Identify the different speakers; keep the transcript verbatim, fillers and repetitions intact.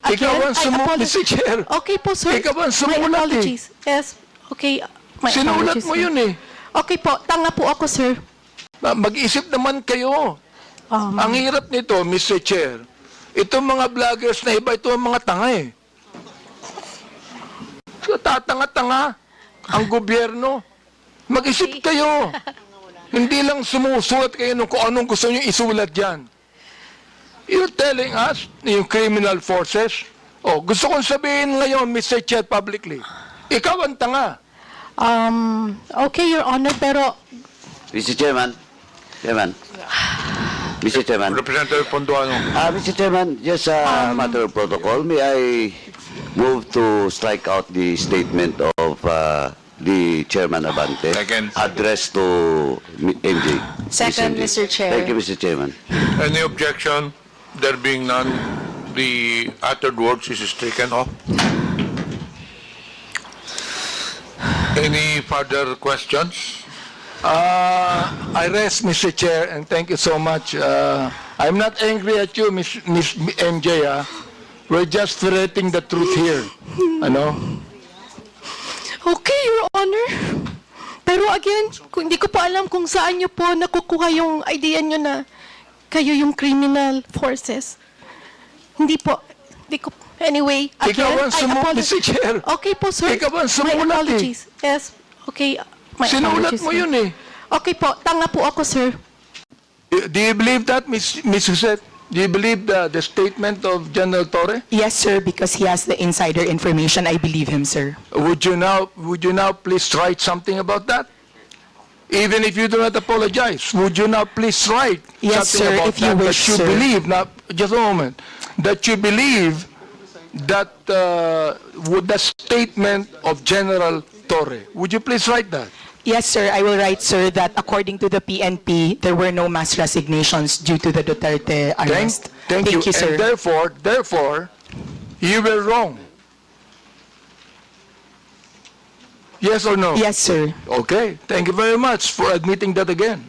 Speaker 1: Ikaw
Speaker 2: Again,
Speaker 1: ang
Speaker 2: I
Speaker 1: sumu-
Speaker 2: apologize.
Speaker 1: Mister Chair.
Speaker 2: Okay po, sir.
Speaker 1: Ikaw ang
Speaker 2: My
Speaker 1: sumulat eh.
Speaker 2: apologies. Yes. Okay. My
Speaker 1: Sinulat
Speaker 2: apologies,
Speaker 1: mo
Speaker 2: sir.
Speaker 1: yun eh.
Speaker 2: Okay po. Tanga po ako, sir.
Speaker 1: Ah, Mag-isip naman kayo.
Speaker 2: Um,
Speaker 1: Ang hirap nito, Mister Chair. Itong mga vloggers na iba, ito ang mga tanga eh. So, tatanga-tanga ang gobyerno. Mag-isip kayo. Hindi lang sumusulat kayo nung kung anong gusto nyo isulat dyan. You're telling us, yung criminal forces, oh, gusto kong sabihin ngayon, Mister Chair, publicly, ikaw ang tanga.
Speaker 2: um, okay, Your Honor, pero
Speaker 3: Mister Chairman, Chairman, Mister Chairman,
Speaker 4: Representative Ponduano.
Speaker 3: uh, Mister Chairman, just a matter of protocol, may I move to strike out the statement of uh, the Chairman Abante
Speaker 4: Second.
Speaker 3: addressed to M J.
Speaker 5: Second,
Speaker 3: Miz M J.
Speaker 5: Mister Chair.
Speaker 3: Thank you, Mister Chairman.
Speaker 4: Any objection? There being none, the uttered words is stricken off. Any further questions?
Speaker 1: Uh, I rest, Mister Chair, and thank you so much. Uh, I'm not angry at you, Miss Miss M J. Ah. We're just ferreting the truth here. Ano?
Speaker 2: okay, Your Honor. Pero again, kung hindi ko pa alam kung saan niyo po nakukuha yung idea niyo na kayo yung criminal forces. Hindi po. Hindi ko. Anyway, again,
Speaker 1: Ikaw ang
Speaker 2: I
Speaker 1: sumu-
Speaker 2: apologize.
Speaker 1: Mister Chair.
Speaker 2: Okay po, sir.
Speaker 1: Ikaw ang
Speaker 2: My
Speaker 1: sumulat eh.
Speaker 2: apologies. Yes. Okay. My
Speaker 1: Sinulat
Speaker 2: apologies,
Speaker 1: mo
Speaker 2: sir.
Speaker 1: yun eh.
Speaker 2: Okay po. Tanga po ako, sir.
Speaker 1: Do you believe that, Miss Miss Josette? Do you believe the, the statement of General Torre?
Speaker 5: Yes, sir, because he has the insider information. I believe him, sir.
Speaker 1: Would you now would you now please write something about that? Even if you do not apologize, would you now please write
Speaker 5: Yes,
Speaker 1: something
Speaker 5: sir,
Speaker 1: about
Speaker 5: if you
Speaker 1: that
Speaker 5: wish,
Speaker 1: that you
Speaker 5: sir.
Speaker 1: believe? Now, just a moment. That you believe that uh, would the statement of General Torre. Would you please write that?
Speaker 5: Yes, sir, I will write, sir, that according to the P N P, there were no mass resignations due to the Duterte
Speaker 1: Thank,
Speaker 5: arrest.
Speaker 1: thank, you. And
Speaker 5: sir.
Speaker 1: therefore, therefore, you were wrong. Yes or no?
Speaker 5: Yes, sir.
Speaker 1: Okay. Thank you very much for admitting that again.